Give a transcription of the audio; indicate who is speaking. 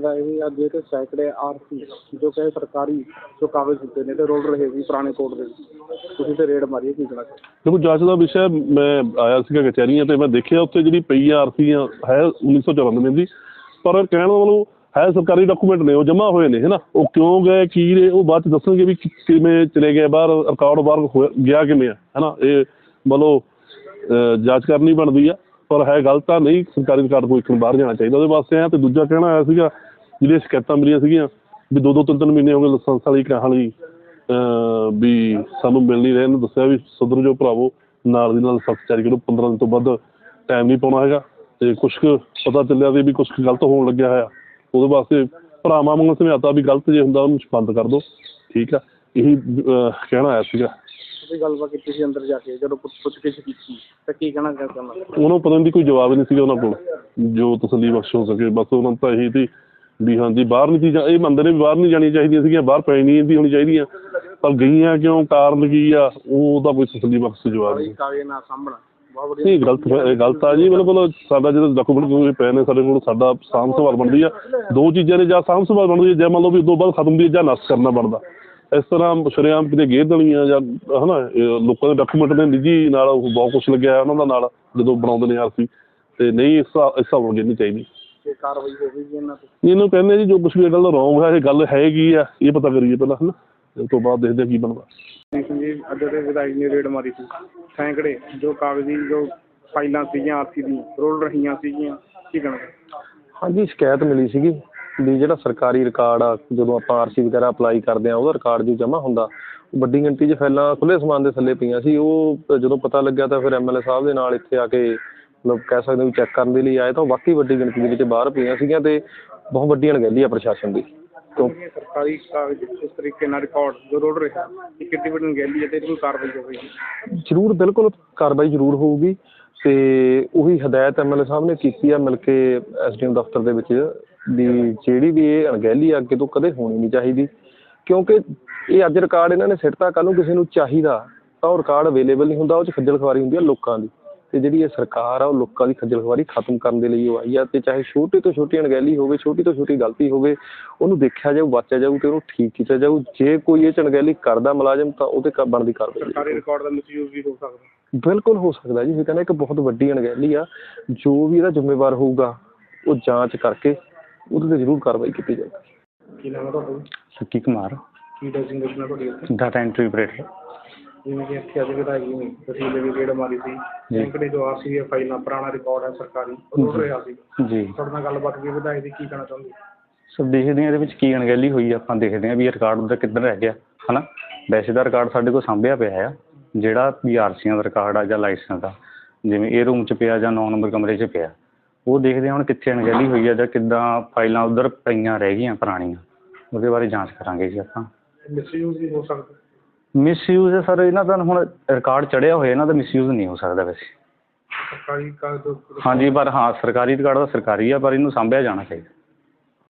Speaker 1: ਹੈਗਾ ਇਹ ਅੱਜ ਕਿ ਸੈਂਕੜੇ ਆਰਸੀ ਜੋ ਕਿ ਸਰਕਾਰੀ ਜੋ ਕਾਗਜ਼ ਦਿੱਤੇ ਨੇ ਤੇ ਰੋਲ ਰਹੇ ਸੀ ਪੁਰਾਣੇ ਕੋਰਟ ਦੇ ਵਿੱਚ, ਤੁਸੀਂ ਤੇ ਰੇਡ ਮਾਰੀ ਕੀ ਕਹਿਣਾ?
Speaker 2: ਦੇਖੋ ਜਾਂਚ ਦਾ ਵਿਸ਼ਾ ਮੈਂ ਆਇਆ ਸੀਗਾ ਕਚਹਿਰੀਆਂ ਤੇ ਮੈਂ ਦੇਖਿਆ ਉੱਥੇ ਜਿਹੜੀ ਪਈ ਆਰਸੀ ਹੈ 1994 ਦੀ, ਪਰ ਕਹਿਣ ਦਾ ਮਤਲਬ ਹੈ ਸਰਕਾਰੀ ਡਾਕੂਮੈਂਟ ਨੇ, ਉਹ ਜਮ੍ਹਾਂ ਹੋਏ ਨੇ ਹੈ ਨਾ। ਉਹ ਕਿਉਂ ਗਏ ਕੀ ਨੇ ਉਹ ਬਾਅਦ 'ਚ ਦੱਸਣਗੇ ਵੀ ਕਿਵੇਂ ਚਲੇ ਗਏ ਬਾਹਰ, ਰਿਕਾਰਡ ਬਾਹਰ ਗਿਆ ਕਿਵੇਂ ਹੈ ਨਾ। ਇਹ ਮਤਲਬ ਜਾਂਚ ਕਰਨੀ ਬਣਦੀ ਆ, ਪਰ ਹੈ ਗੱਲ ਤਾਂ ਨਹੀਂ ਸਰਕਾਰੀ ਰਿਕਾਰਡ ਕੋਈ ਇੱਕ ਨੂੰ ਬਾਹਰ ਜਾਣਾ ਚਾਹੀਦਾ ਉਹਦੇ ਵਾਸਤੇ। ਅਤੇ ਦੂਜਾ ਕਹਿਣਾ ਆਇਆ ਸੀਗਾ ਜਿਹੜੀਆਂ ਸ਼ਿਕਾਇਤਾਂ ਮਿਲੀਆਂ ਸੀਗੀਆਂ ਵੀ 2-2 3-3 ਮਹੀਨੇ ਹੋ ਗਏ ਲਾਇਸੈਂਸ ਵਾਲੀ ਕਹਾਂ ਲਈ ਵੀ ਸਾਨੂੰ ਮਿਲ ਨਹੀਂ ਰਹੇ। ਇਹਨੂੰ ਦੱਸਿਆ ਵੀ ਸੁਧਰ ਜੋ ਭਰਾਵੋ, ਨਾਲ ਦੀ ਨਾਲ ਲਾਇਸੈਂਸ ਜਾਰੀ ਕਰੋ, 15 ਦਿਨ ਤੋਂ ਵੱਧ ਟਾਈਮ ਨਹੀਂ ਪਾਉਣਾ ਹੈਗਾ। ਅਤੇ ਕੁਛ ਕੁ ਪਤਾ ਚੱਲਿਆ ਵੀ ਕੁਛ ਗਲਤ ਹੋਣ ਲੱਗਿਆ ਹੋਇਆ, ਉਹਦੇ ਵਾਸਤੇ ਭਰਾਵਾਂ ਵਾਂਗੂ ਸਮਝਾਤਾ ਵੀ ਗਲਤ ਜੇ ਹੁੰਦਾ ਉਹਨੂੰ ਬੰਦ ਕਰ ਦਿਓ, ਠੀਕ ਆ। ਇਹੀ ਕਹਿਣਾ ਆਇਆ ਸੀਗਾ।
Speaker 1: ਤੁਸੀਂ ਗੱਲਬਾਤ ਕੀਤੀ ਸੀ ਅੰਦਰ ਜਾ ਕੇ ਜਦੋਂ ਪੁੱਛ-ਗਿੱਛ ਕੀਤੀ ਤਾਂ ਕੀ ਕਹਿਣਾ ਚਾਹੁੰਦਾ?
Speaker 2: ਉਹਨੂੰ ਪਤਾ ਨਹੀਂ ਕੋਈ ਜਵਾਬ ਨਹੀਂ ਸੀਗਾ ਉਹਨਾਂ ਕੋਲ ਜੋ ਤਸੱਲੀ ਬਖਸ਼ ਹੋ ਸਕੇ। ਬਸ ਉਹਨਾਂ ਨੂੰ ਤਾਂ ਇਹੀ ਸੀ ਵੀ ਹਾਂਜੀ ਬਾਹਰ ਨਹੀਂ ਚੀਜ਼ਾਂ, ਇਹ ਮੰਨਦੇ ਨੇ ਵੀ ਬਾਹਰ ਨਹੀਂ ਜਾਣੀਆਂ ਚਾਹੀਦੀਆਂ ਸੀਗੀਆਂ, ਬਾਹਰ ਪੈ ਨਹੀਂ ਦੀ ਹੋਣੀ ਚਾਹੀਦੀਆਂ, ਪਰ ਗਈਆਂ ਕਿਉਂ, ਕਾਰਨ ਕੀ ਆ, ਉਹਦਾ ਕੋਈ ਤਸੱਲੀ ਬਖਸ਼ ਜਵਾਬ ਨਹੀਂ। ਨਹੀਂ ਗਲਤ ਆ ਜੀ, ਬਿਲਕੁਲ। ਸਾਡਾ ਜਦੋਂ ਡਾਕੂਮੈਂਟ ਪਏ ਨੇ ਸਾਡੇ ਕੋਲ, ਸਾਡਾ ਸਾਂਭ ਸੰਭਾਲ ਬਣਦੀ ਆ। ਦੋ ਚੀਜ਼ਾਂ ਨੇ, ਜਾਂ ਸਾਂਭ ਸੰਭਾਲ ਬਣਦੀ ਹੈ, ਜਾਂ ਮੰਨ ਲਓ ਵੀ ਉਦੋਂ ਬਾਅਦ ਖਤਮ ਦੀ ਜਾਂ ਨਸ਼ਟ ਕਰਨਾ ਬਣਦਾ। ਇਸ ਤਰ੍ਹਾਂ ਸ਼ਰੇਆਮ ਕਿਤੇ ਗੇਰ ਦੇਣੀਆਂ ਜਾਂ ਹੈ ਨਾ, ਲੋਕਾਂ ਦੇ ਡਾਕੂਮੈਂਟ ਨੇ ਨਿੱਜੀ ਨਾਲ ਉਹ ਬਹੁਤ ਕੁਛ ਲੱਗਿਆ ਉਹਨਾਂ ਦਾ ਨਾਲ ਜਦੋਂ ਬਣਾਉਂਦੇ ਨੇ ਆਰਸੀ, ਅਤੇ ਨਹੀਂ ਇਸ ਹਿਸਾਬ ਨਾਲ ਗਿਰਨੀ ਚਾਹੀਦੀ।
Speaker 1: ਕਾਰਵਾਈ ਹੋਵੇਗੀ ਇਹਨਾਂ ਤੇ?
Speaker 2: ਇਹਨੂੰ ਕਹਿੰਦੇ ਜੀ ਜੋ ਕੁਛ ਵੀ ਇਹ ਗੱਲ ਰੋਂਗ ਹੈ, ਇਹ ਗੱਲ ਹੈਗੀ ਆ, ਇਹ ਪਤਾ ਕਰੀਏ ਪਹਿਲਾਂ ਹੈ ਨਾ, ਉਸ ਤੋਂ ਬਾਅਦ ਦੇਖਦੇ ਕੀ ਬਣਦਾ।
Speaker 1: ਜੀ ਅੱਜ ਦੇ ਵਿਧਾਇਕ ਨੇ ਰੇਡ ਮਾਰੀ ਸੀ, ਸੈਂਕੜੇ ਜੋ ਕਾਗਜ਼ੀ ਜੋ ਫਾਈਲਾਂ ਸੀਗੀਆਂ ਆਰਸੀ ਦੀਆਂ ਰੋਲ ਰਹੀਆਂ ਸੀਗੀਆਂ, ਕੀ ਕਹਿਣਾ?
Speaker 3: ਹਾਂਜੀ, ਸ਼ਿਕਾਇਤ ਮਿਲੀ ਸੀਗੀ ਵੀ ਜਿਹੜਾ ਸਰਕਾਰੀ ਰਿਕਾਰਡ ਆ, ਜਦੋਂ ਆਪਾਂ ਆਰਸੀ ਵਗੈਰਾ ਅਪਲਾਈ ਕਰਦੇ ਹਾਂ ਉਹਦਾ ਰਿਕਾਰਡ ਜੋ ਜਮ੍ਹਾਂ ਹੁੰਦਾ, ਉਹ ਵੱਡੀ ਗਿਣਤੀ 'ਚ ਫਾਈਲਾਂ ਖੁੱਲ੍ਹੇ ਸਮਾਨ ਦੇ ਥੱਲੇ ਪਈਆਂ ਸੀ। ਉਹ ਜਦੋਂ ਪਤਾ ਲੱਗਿਆ ਤਾਂ ਫਿਰ MLA ਸਾਹਿਬ ਦੇ ਨਾਲ ਇੱਥੇ ਆ ਕੇ ਮਤਲਬ ਕਹਿ ਸਕਦੇ ਵੀ ਚੈੱਕ ਕਰਨ ਦੇ ਲਈ ਆਏ, ਤਾਂ ਵਾਕਈ ਵੱਡੀ ਗਿਣਤੀ ਦੇ ਵਿੱਚ ਬਾਹਰ ਪਈਆਂ ਸੀਗੀਆਂ ਅਤੇ ਬਹੁਤ ਵੱਡੀ ਅਣਗਹਿਲੀ ਆ ਪ੍ਰਸ਼ਾਸਨ ਦੀ।
Speaker 1: ਸਰਕਾਰੀ ਕਾਗਜ਼ ਇਸ ਤਰੀਕੇ ਨਾਲ ਰਿਕਾਰਡ ਜੋ ਰੋਲ ਰਿਹਾ, ਇਹ ਕਿੰਨੀ ਵੱਡੀ ਅਣਗਹਿਲੀ ਹੈ ਅਤੇ ਇਹਦੀ ਕਾਰਵਾਈ ਹੋਵੇਗੀ?
Speaker 3: ਜ਼ਰੂਰ, ਬਿਲਕੁਲ ਕਾਰਵਾਈ ਜ਼ਰੂਰ ਹੋਊਗੀ। ਅਤੇ ਉਹੀ ਹਦਾਇਤ MLA ਸਾਹਿਬ ਨੇ ਕੀਤੀ ਆ ਮਿਲ ਕੇ SDM ਦਫ਼ਤਰ ਦੇ ਵਿੱਚ ਵੀ ਜਿਹੜੀ ਵੀ ਇਹ ਅਣਗਹਿਲੀ ਅੱਗੇ ਤੋਂ ਕਦੇ ਹੋਣੀ ਨਹੀਂ ਚਾਹੀਦੀ, ਕਿਉਂਕਿ ਇਹ ਅੱਜ ਰਿਕਾਰਡ ਇਹਨਾਂ ਨੇ ਸਿੱਟਤਾ, ਕੱਲ੍ਹ ਨੂੰ ਕਿਸੇ ਨੂੰ ਚਾਹੀਦਾ ਤਾਂ ਉਹ ਰਿਕਾਰਡ ਅਵੇਲੇਬਲ ਨਹੀਂ ਹੁੰਦਾ, ਉਹ 'ਚ ਖੱਜਲ ਖੁਆਰੀ ਹੁੰਦੀ ਆ ਲੋਕਾਂ ਦੀ। ਅਤੇ ਜਿਹੜੀ ਇਹ ਸਰਕਾਰ ਆ ਉਹ ਲੋਕਾਂ ਦੀ ਖੱਜਲ ਖੁਆਰੀ ਖਤਮ ਕਰਨ ਦੇ ਲਈ ਉਹ ਆਈ ਆ, ਅਤੇ ਚਾਹੇ ਛੋਟੀ ਤੋਂ ਛੋਟੀ ਅਣਗਹਿਲੀ ਹੋਵੇ, ਛੋਟੀ ਤੋਂ ਛੋਟੀ ਗਲਤੀ ਹੋਵੇ, ਉਹਨੂੰ ਦੇਖਿਆ ਜਾਊ, ਵਾਚਿਆ ਜਾਊ ਅਤੇ ਉਹਨੂੰ ਠੀਕ ਕੀਤਾ ਜਾਊ। ਜੇ ਕੋਈ ਇਹ 'ਚ ਅਣਗਹਿਲੀ ਕਰਦਾ ਮੁਲਾਜ਼ਮ ਤਾਂ ਉਹਦੇ ਬਣਦੀ ਕਾਰਵਾਈ।
Speaker 1: ਸਰਕਾਰੀ ਰਿਕਾਰਡ ਦਾ ਮਿਸਯੂਜ਼ ਵੀ ਹੋ ਸਕਦਾ?
Speaker 3: ਬਿਲਕੁਲ ਹੋ ਸਕਦਾ ਜੀ, ਇਹ ਕਹਿੰਦਾ ਇੱਕ ਬਹੁਤ ਵੱਡੀ ਅਣਗਹਿਲੀ ਆ। ਜੋ ਵੀ ਇਹਦਾ ਜ਼ਿੰਮੇਵਾਰ ਹੋਊਗਾ ਉਹ ਜਾਂਚ ਕਰਕੇ ਉਹਦੇ 'ਤੇ ਜ਼ਰੂਰ ਕਾਰਵਾਈ ਕੀਤੀ ਜਾਊਗੀ।
Speaker 1: ਕੀ ਨਾਮ ਹੈ ਤੁਹਾਡਾ?
Speaker 3: ਸ਼ੱਕੀ ਕੁਮਾਰ।
Speaker 1: ਕੀ ਡੈਜ਼ਿਗਨੇਸ਼ਨ ਹੈ ਤੁਹਾਡੀ ਇੱਥੇ?
Speaker 3: Data entry operator.
Speaker 1: ਜਿਵੇਂ ਕਿ ਇੱਥੇ ਅੱਜ ਵਿਧਾਇਕ ਜੀ ਨੇ ਤਹਿਸੀਲ ਦੀ ਰੇਡ ਮਾਰੀ ਸੀ, ਸੈਂਕੜੇ ਜੋ ਆਰਸੀ ਦੀਆਂ ਫਾਈਲਾਂ, ਪੁਰਾਣਾ ਰਿਕਾਰਡ ਹੈ ਸਰਕਾਰੀ, ਉਹ ਰੁੜ ਰਿਹਾ ਸੀ ਜੀ। ਤੁਹਾਡੇ ਨਾਲ ਗੱਲਬਾਤ ਕੀ ਵਿਧਾਇਕ ਦੀ ਕੀ ਕਹਿਣਾ ਚਾਹੁੰਦੇ?
Speaker 3: ਸਰ ਦੇਖਦੇ ਹਾਂ ਇਹਦੇ ਵਿੱਚ ਕੀ ਅਣਗਹਿਲੀ ਹੋਈ, ਆਪਾਂ ਦੇਖਦੇ ਹਾਂ ਵੀ ਇਹ ਰਿਕਾਰਡ ਉਹਦਾ ਕਿੱਧਰ ਰਹਿ ਗਿਆ ਹੈ ਨਾ। ਵੈਸੇ ਦਾ ਰਿਕਾਰਡ ਸਾਡੇ ਕੋਲ ਸਾਂਭਿਆ ਪਿਆ ਆ, ਜਿਹੜਾ ਵੀ ਆਰਸੀਆਂ ਦਾ ਰਿਕਾਰਡ ਆ ਜਾਂ ਲਾਇਸੈਂਸ ਦਾ, ਜਿਵੇਂ ਇਹ ਰੂਮ 'ਚ ਪਿਆ ਜਾਂ 9 ਨੰਬਰ ਕਮਰੇ 'ਚ ਪਿਆ, ਉਹ ਦੇਖਦੇ ਹਾਂ ਹੁਣ ਕਿੱਥੇ ਅਣਗਹਿਲੀ ਹੋਈ ਆ ਜਾਂ ਕਿੱਦਾਂ ਫਾਈਲਾਂ ਉੱਧਰ ਪਈਆਂ ਰਹਿ ਗਈਆਂ ਪੁਰਾਣੀਆਂ, ਉਹਦੇ ਬਾਰੇ ਜਾਂਚ ਕਰਾਂਗੇ ਜੀ ਆਪਾਂ।
Speaker 1: ਮਿਸਯੂਜ਼ ਵੀ ਹੋ ਸਕਦਾ?
Speaker 3: ਮਿਸਯੂਜ਼ ਹੈ ਸਰ, ਇਹਨਾਂ ਦਾ ਹੁਣ ਰਿਕਾਰਡ ਚੜ੍ਹਿਆ ਹੋਇਆ, ਇਹਨਾਂ ਦਾ ਮਿਸਯੂਜ਼ ਨਹੀਂ ਹੋ ਸਕਦਾ ਵੈਸੇ।
Speaker 1: ਸਰਕਾਰੀ ਕਾਗਜ਼?
Speaker 3: ਹਾਂਜੀ, ਪਰ ਹਾਂ ਸਰਕਾਰੀ ਰਿਕਾਰਡ ਤਾਂ ਸਰਕਾਰੀ ਆ, ਪਰ ਇਹਨੂੰ ਸਾਂਭਿਆ ਜਾਣਾ ਚਾਹੀਦਾ।